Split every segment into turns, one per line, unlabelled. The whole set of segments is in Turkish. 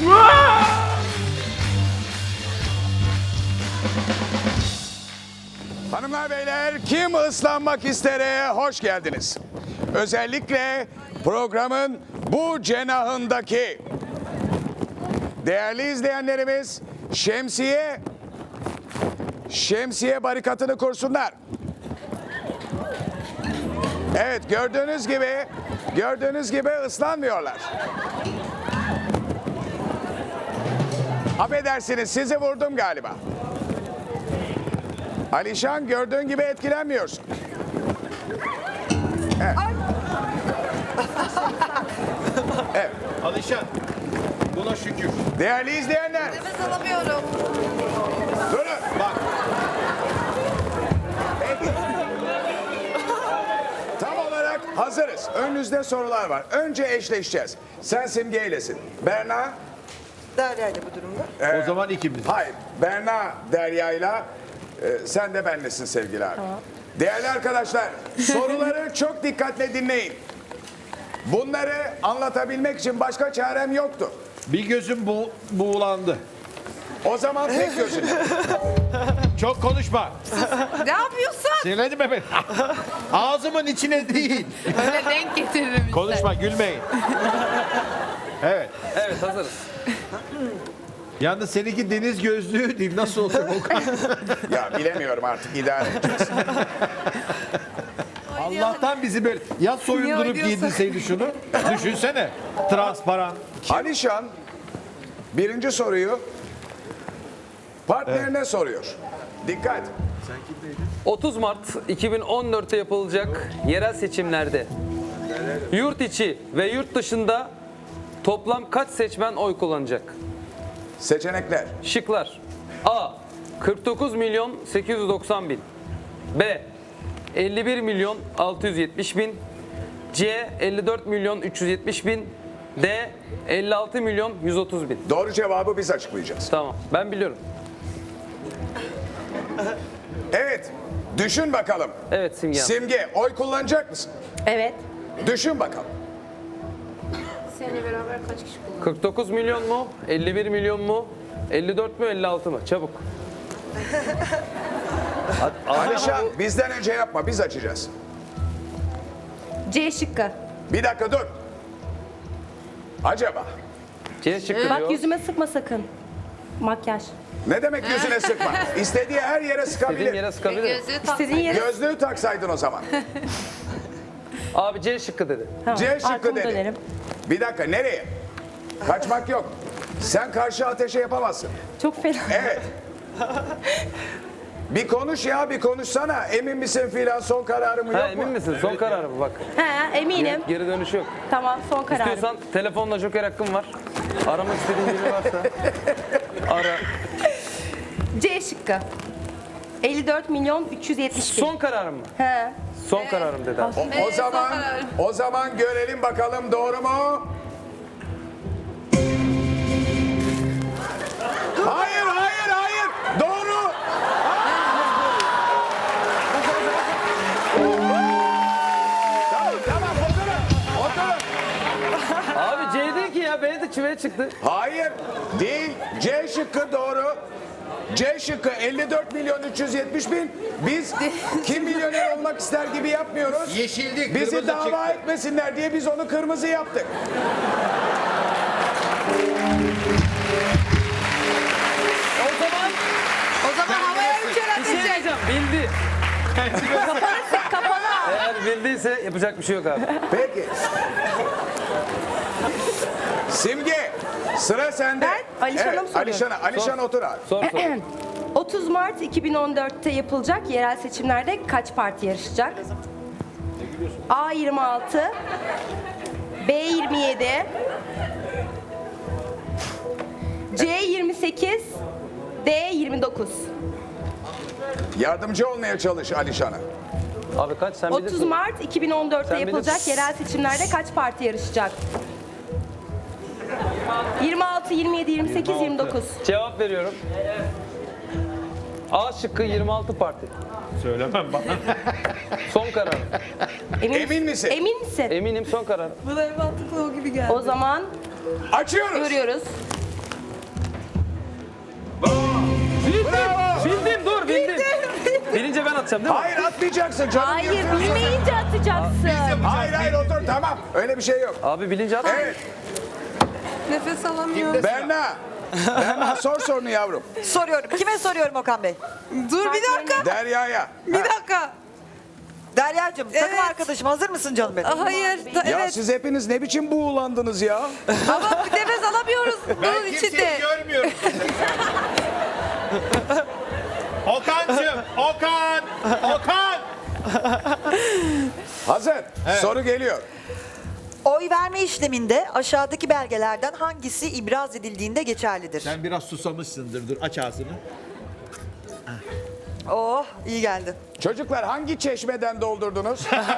Hanımlar beyler, kim ıslanmak istere hoş geldiniz. Özellikle programın bu cenahındaki değerli izleyenlerimiz şemsiye barikatını kursunlar. Evet, gördüğünüz gibi ıslanmıyorlar. Affedersiniz, sizi vurdum galiba. Alişan, gördüğün gibi etkilenmiyorsun. Evet. Evet.
Alişan, buna şükür.
Değerli izleyenler,
Nefes alamıyorum.
durun.
Bak,
Peki. Tam olarak hazırız. Önünüzde sorular var. Önce eşleşeceğiz. Sen Simge ilesin. Berna,
Derya ile bu durumda.
o zaman ikimiz.
hayır. Berna Derya'yla, sen de benlesin sevgili abi. Değerli arkadaşlar, soruları çok dikkatle dinleyin. Bunları anlatabilmek için başka çarem yoktu.
Bir gözüm buğulandı.
O zaman tek gözün.
Çok konuşma.
Ne yapıyorsun?
Sinirlendim beni. Ağzımın içine değil.
Öyle denk getiririm işte.
Konuşma, gülmeyin. Evet.
Evet, hazırız.
Yalnız seninki deniz gözlüğü değil. Nasıl olacak o kadar?
Ya bilemiyorum artık, idare edeceğiz.
Allah'tan bizi böyle ya soyundurup
oynuyorsun?
giydirseydi şunu. Düşünsene. Transparan.
Alişan birinci soruyu partnerine soruyor. Dikkat.
30 Mart 2014'te yapılacak yerel seçimlerde yurt içi ve yurt dışında toplam kaç seçmen oy kullanacak?
Seçenekler.
Şıklar: A. 49 milyon 890 bin, B. 51 milyon 670 bin, C. 54 milyon 370 bin, D. 56 milyon 130 bin.
Doğru cevabı biz açıklayacağız.
Tamam, ben biliyorum.
Evet. Düşün bakalım.
Evet Simge Hanım.
Simge, oy kullanacak mısın?
Evet.
Düşün bakalım.
Seninle beraber kaç kişi kullanıyor?
49 milyon mu? 51 milyon mu? 54 mü? 56 mı? Çabuk.
Alişan bizden önce yapma, biz açacağız.
C şıkkı.
Bir dakika dur. Acaba
C şıkkı diyor.
Bak yüzüme sıkma sakın. Makyaj.
ne demek yüzüne sıkma? İstediği her yere
Dediğim
sıkabilir.
yere sıkabilir.
Gözlüğü
İstediğin yere
Gözlüğü taksaydın o zaman.
Abi C şıkkı dedi.
Tamam,
C şıkkı
arkamı
dedi.
dönerim.
Bir dakika, nereye? Kaçmak yok. Sen karşı ateşe yapamazsın.
Çok fena.
Evet. Bir konuş ya, bir konuşsana. Emin misin filan, son kararı mı
Ha,
yok
emin
mu?
misin? Son kararı mı? Bak.
He, eminim.
Geri dönüşü yok.
Tamam, son kararım.
İstiyorsan telefonla joker hakkın var. Aramak istediğin biri varsa ara.
C şıkkı. 54 milyon 370 bin.
Son kararım mı?
He.
Son kararım dedi abi.
O zaman görelim bakalım, doğru mu? Hayır, hayır, hayır. Doğru. Tamam, oturun.
Abi C değil ki ya. B de çiveye çıktı.
Hayır, değil. C şıkkı doğru. C şıkkı 54 milyon 370 bin. Biz kim milyoner olmak ister gibi yapmıyoruz.
Yeşildi,
Bizi
kırmızı
dava
çıktı.
etmesinler diye biz onu kırmızı yaptık.
O zaman havaya uçar
Bir şey
atacak.
diyeceğim. Bildi.
Kapalı.
Eğer bildiyse yapacak bir şey yok abi.
Peki. Simge, sıra sende.
Ben Alişan'a mı soruyorum?
Alişan otur abi.
Sor sor.
30 Mart 2014'te yapılacak yerel seçimlerde kaç parti yarışacak? A 26, B 27, C 28, D 29.
Yardımcı olmaya çalış Alişan'a.
Abi kaç sen
30
bilirsin.
Mart 2014'te
Sen
yapılacak
bilirsin.
yerel seçimlerde kaç parti yarışacak? 26, 27, 28, 29.
Cevap veriyorum. A şıkkı 26 parti.
Söylemem bana.
Son karar.
Emin misin?
Emin misin?
Eminim son karar.
Bana en mantıklı o gibi geldi.
O zaman
Açıyoruz.
görüyoruz.
Bravo.
Bildim dur bildim. Bilince ben atacağım değil mi?
Hayır atmayacaksın canım.
Hayır,
yırtıyorsun.
bilmeyince atacaksın.
Hayır otur tamam. Öyle bir şey yok.
Abi bilince at.
Evet
Nefes alamıyorum.
Berna. Berna sor sorunu yavrum.
Soruyorum. Kime soruyorum Okan Bey?
Dur bir dakika.
Derya'ya.
Bir dakika.
Derya'cığım takım
Evet.
arkadaşım hazır mısın canım benim?
Hayır.
Ya
Evet.
siz hepiniz ne biçim buğulandınız ya?
Ama bir nefes alamıyoruz bunun içinde.
görmüyorum. Okan'cığım, Okan.
Hazır. Soru geliyor.
Oy verme işleminde aşağıdaki belgelerden hangisi ibraz edildiğinde geçerlidir?
Sen biraz susamışsındır. Dur aç ağzını.
Oh iyi geldi.
Çocuklar hangi çeşmeden doldurdunuz?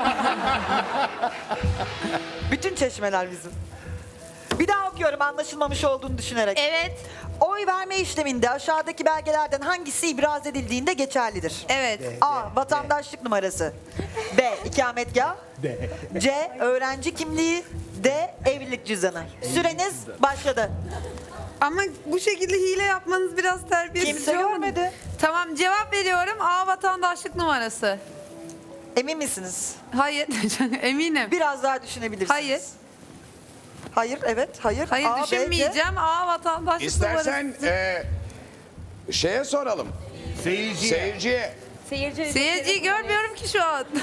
Bütün çeşmeler bizim. Bir daha okuyorum anlaşılmamış olduğunu düşünerek.
Evet.
Oy verme işleminde aşağıdaki belgelerden hangisi ibraz edildiğinde geçerlidir?
Evet.
A. Vatandaşlık numarası. B. İkametgah. C. Öğrenci kimliği. D. Evlilik cüzdanı. Süreniz başladı.
Ama bu şekilde hile yapmanız biraz terbiyesiz.
Kimse
olmadı.
görmedi.
Tamam cevap veriyorum. A vatandaşlık numarası.
Emin misiniz?
Hayır. Eminim.
Biraz daha düşünebilirsiniz.
Hayır.
Hayır, evet, hayır.
Hayır
A, B, C.
düşünmeyeceğim. A vatandaşlık
İstersen
numarası.
şeye soralım. Seyirciye.
Seyirciyi görmüyorum ki şu an.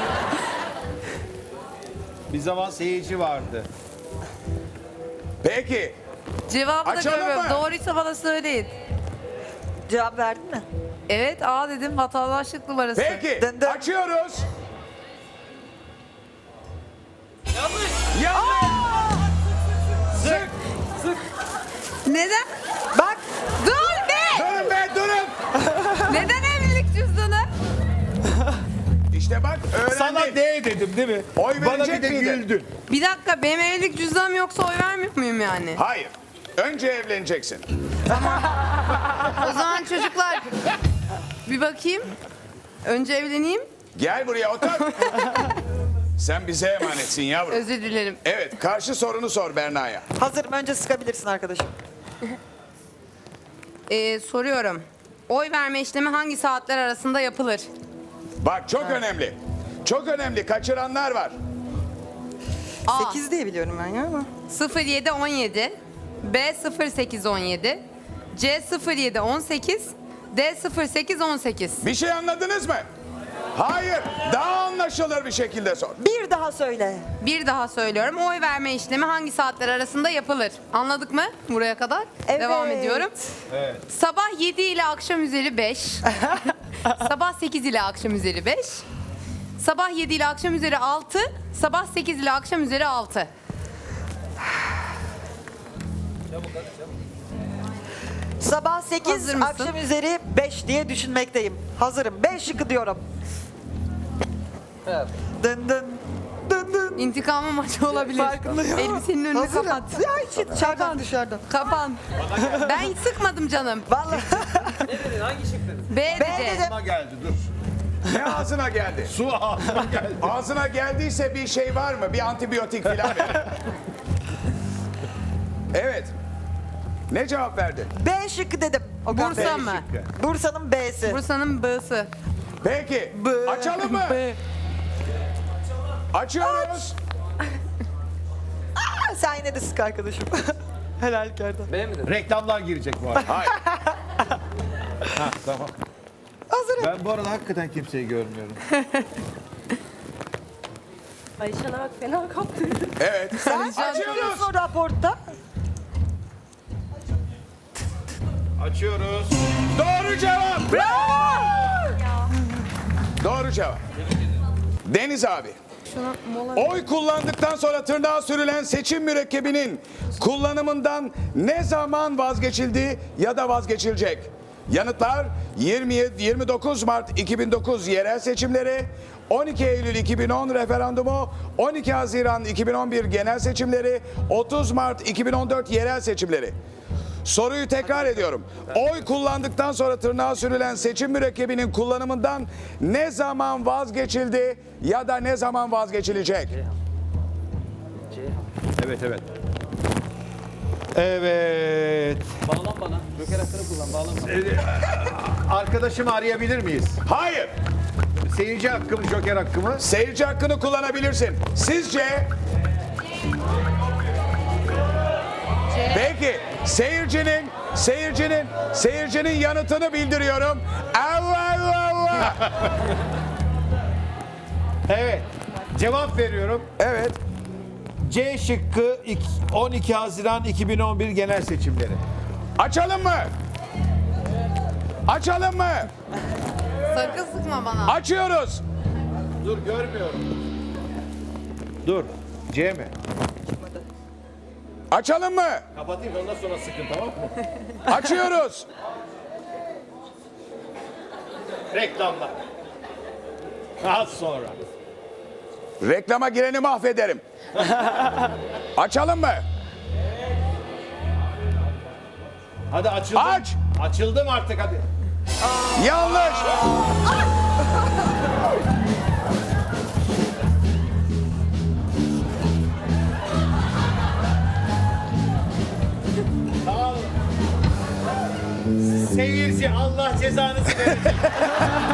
Bir zaman seyirci vardı.
Peki.
Cevabı da
Açalım
görmüyorum.
mı?
Doğruysa bana söyleyin.
Cevap verdin mi?
Evet A dedim vatandaşlık numarası.
Peki.
Dın dın.
Açıyoruz. Yanlış. Sık.
Neden?
Bak,
Dur be!
Durun be durun.
Neden evlilik cüzdanı?
İşte bak öğrendik.
Sana D dedim değil mi?
Oy
Bana bir
verecek
de
miydin?
güldün.
Bir dakika benim evlilik cüzdanım yoksa oy vermiyor muyum yani?
Hayır. Önce evleneceksin.
O zaman çocuklar bir bakayım. Önce evleneyim.
Gel buraya otur. Sen bize emanetsin yavrum.
Özür dilerim.
Evet, karşı sorunu sor Berna'ya.
hazırım. Önce sıkabilirsin arkadaşım.
Soruyorum. Oy verme işlemi hangi saatler arasında yapılır?
Bak çok önemli. Çok önemli. Kaçıranlar var.
A.
8 diye biliyorum ben ya ama.
07:17, B 08:17, C 07:18, D 08:18.
Bir şey anladınız mı? Hayır. Daha anlaşılır bir şekilde sor.
Bir daha söyle.
Bir daha söylüyorum. Oy verme işlemi hangi saatler arasında yapılır? Anladık mı buraya kadar?
Evet.
Devam ediyorum. Sabah 7 ile akşam üzeri 5. Sabah 8 ile akşam üzeri 5. Sabah 7 ile akşam üzeri 6. Sabah 8 ile akşam üzeri 6.
Sabah 8,
Hazır mısın?
akşam üzeri 5 diye düşünmekteyim. Hazırım. 5 şıkkı diyorum. Dın dın. Dın dın.
İntikamı maçı olabilir.
Farkındayım.
Elbisenin önünü
Hazırım.
kapat.
Ya hiç dışarıdan dışarıdan.
Kapan. Ben hiç sıkmadım canım.
Vallahi.
B
B
dedi.
dedim.
Ağzıma geldi dur.
Ne ağzına geldi?
Su ağzıma geldi.
Ağzına geldiyse bir şey var mı? Bir antibiyotik falan ver. Evet. Ne cevap verdi?
B şıkkı dedim. Okan Bey.
Bursa mı?
Bursa'nın B'si.
Bursa'nın B'si.
Peki. Açalım mı? Açıyoruz.
Sen yine de sık arkadaşım. Helal kerdan.
B mi dedin?
Reklamlar girecek bu arada.
Hayır.
Ha, tamam.
Hazırım.
Ben bu arada hakikaten kimseyi görmüyorum.
Ayşen'e bak fena kaptırdı.
Evet.
Sen
Açıyoruz.
açıyorsun raporta.
Açıyoruz.
Doğru cevap. Doğru cevap. Deniz abi. Oy kullandıktan sonra tırnağa sürülen seçim mürekkebinin kullanımından ne zaman vazgeçildi ya da vazgeçilecek? Yanıtlar 29 Mart 2009 yerel seçimleri, 12 Eylül 2010 referandumu, 12 Haziran 2011 genel seçimleri, 30 Mart 2014 yerel seçimleri. Soruyu tekrar ediyorum. Oy kullandıktan sonra tırnağa sürülen seçim mürekkebinin kullanımından ne zaman vazgeçildi ya da ne zaman vazgeçilecek?
Evet evet. Evet.
Bağlan bana. Joker hakkını kullan. Bağlan bana.
Arkadaşımı arayabilir miyiz?
Hayır.
Seyirci hakkımı, joker hakkımı.
Seyirci hakkını kullanabilirsin. Sizce? Peki seyircinin yanıtını bildiriyorum. Allah Allah.
Evet. Cevap veriyorum.
Evet.
C şıkkı 12 Haziran 2011 genel seçimleri.
Açalım mı? Açalım mı?
Sakın sıkma bana.
Açıyoruz.
Dur görmüyorum. Dur. C mi?
Açalım mı?
Kapatayım ondan sonra sıkın, tamam mı?
Açıyoruz.
Reklamlar. Az sonra.
Reklama gireni mahvederim. Açalım mı?
Hadi açıldım.
Aç.
Açıldım artık hadi.
Yanlış.
Seyirci Allah cezanızı verecek.